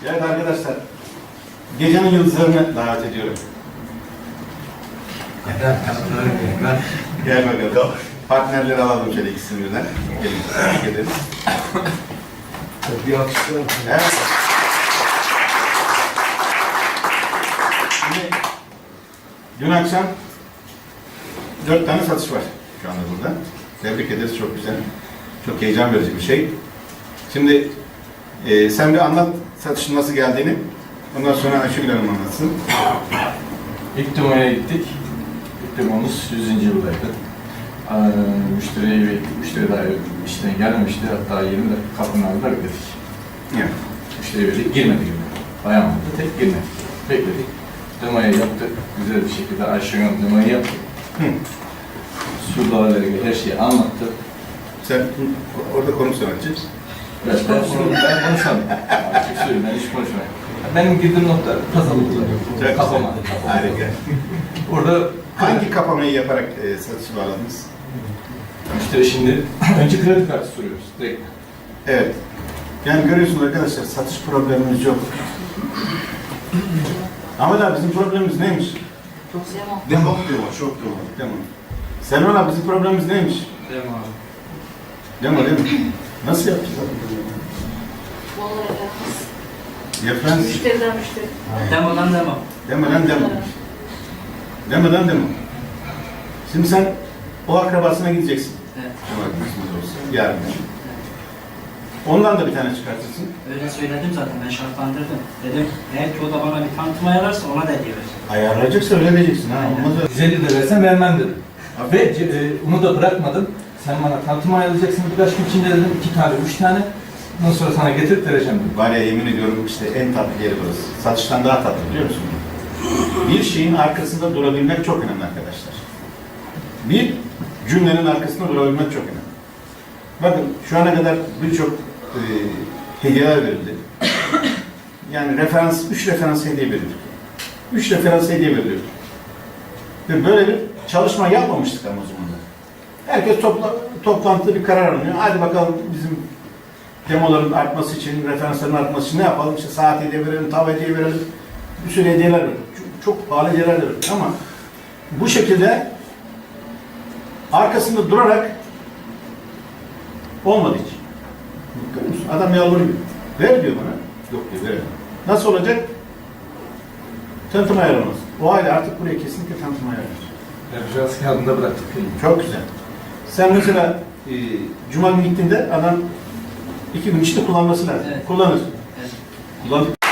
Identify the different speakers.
Speaker 1: Evet arkadaşlar, gecenin yıldızlarını davet ediyorum. Gel bakalım. Partnerleri alalım şöyle ikisini birden. Gelin, tebrik ederiz.
Speaker 2: Bir alkışlayalım.
Speaker 1: Evet. Şimdi, dün akşam 4 tane satış var şu anda burada. Tebrik ederiz, çok güzel. Çok heyecan verici bir şey. Şimdi sen bir anlat satışın nasıl geldiğini. Ondan sonra Ayşegül Hanım anlatsın.
Speaker 3: İlk demaya gittik. İlk demomuz 100. yıldaydı. Müşteriye bekledik. Müşteri daha işten gelmemişti. Hatta 20 dakika kapının ağzında bekledik.
Speaker 1: Evet.
Speaker 3: Müşteriye verdik. Girmedi gibi. Dayanmadı. Tek girmedi. Bekledik. Demayı yaptık. Güzel bir şekilde Ayşegül Hanım demayı yaptı. Surdalarla ilgili her şeyi anlattı.
Speaker 1: Sen orada konu sanatçı.
Speaker 3: Ben konuşamam. Açık söyleyeyim, ben hiç konuşmayayım. Benim girdiğim nokta pazarlıklar. Kapama.
Speaker 1: Harika.
Speaker 3: Orada
Speaker 1: Hangi kapamayı yaparak satışı bağladınız?
Speaker 3: müşteri şimdi önce kredi kartı soruyoruz direkt.
Speaker 1: Evet. Yani görüyorsunuz arkadaşlar, satış problemimiz yok. Ama da bizim problemimiz neymiş? Demo. Çok demo. Demo. Selman abi, bizim problemimiz neymiş?
Speaker 3: Demo abi.
Speaker 1: Demo değil mi? Nasıl yapacağız?
Speaker 4: Vallahi yapamaz.
Speaker 1: Yapmaz.
Speaker 4: Müşteriden müşteri.
Speaker 5: Demodan demo.
Speaker 1: Demodan demo. Demodan demo. Şimdi sen o akrabasına gideceksin.
Speaker 5: Evet.
Speaker 1: Cumartesi olsun. Yarın. Ondan da bir tane çıkartırsın.
Speaker 5: Öyle söyledim zaten, ben şartlandırdım. Dedim, eğer ki o da bana bir tanıtım ayarlarsa ona da hediye vereceğim.
Speaker 1: Ayarlayacaksa öyle diyeceksin ha. Olmaz öyle.
Speaker 3: 150 de versen vermem dedim. Ve onu da bırakmadım. Sen bana tanıtım ayarlayacaksın birkaç gün içinde dedim. 2 tane, 3 tane. Ondan sonra sana getirip vereceğim dedim.
Speaker 1: Var ya, yemin ediyorum işte en tatlı yeri burası. Satıştan daha tatlı, biliyor musun? Bir şeyin arkasında durabilmek çok önemli arkadaşlar. Bir cümlenin arkasında durabilmek çok önemli. Bakın şu ana kadar birçok hediyeler verildi. Yani referans, 3 referans hediye verildi. 3 referans hediye veriliyor. Ve böyle bir çalışma yapmamıştık ama o zaman da. Herkes toplantıda bir karar alınıyor. Hadi bakalım bizim demoların artması için, referansların artması için ne yapalım? İşte saat hediye verelim, tav hediye verelim. Bir sürü hediyeler verelim. Çok pahalı hediyeler verelim. Ama bu şekilde arkasında durarak olmadı hiç. Görüyor musun? Adam yalvarıyor. Ver diyor bana. Yok diyor, veremem. Nasıl olacak? Tanıtım ayarlamaz. O aile artık buraya kesinlikle tanıtım ayarlamaz.
Speaker 3: Referans kağıdında bıraktık.
Speaker 1: Çok güzel. Sen mesela Cuma günü gittiğinde adam 2 gün içinde kullanması lazım.
Speaker 5: Evet.
Speaker 1: Kullanır.
Speaker 5: Evet.
Speaker 1: Kullandık.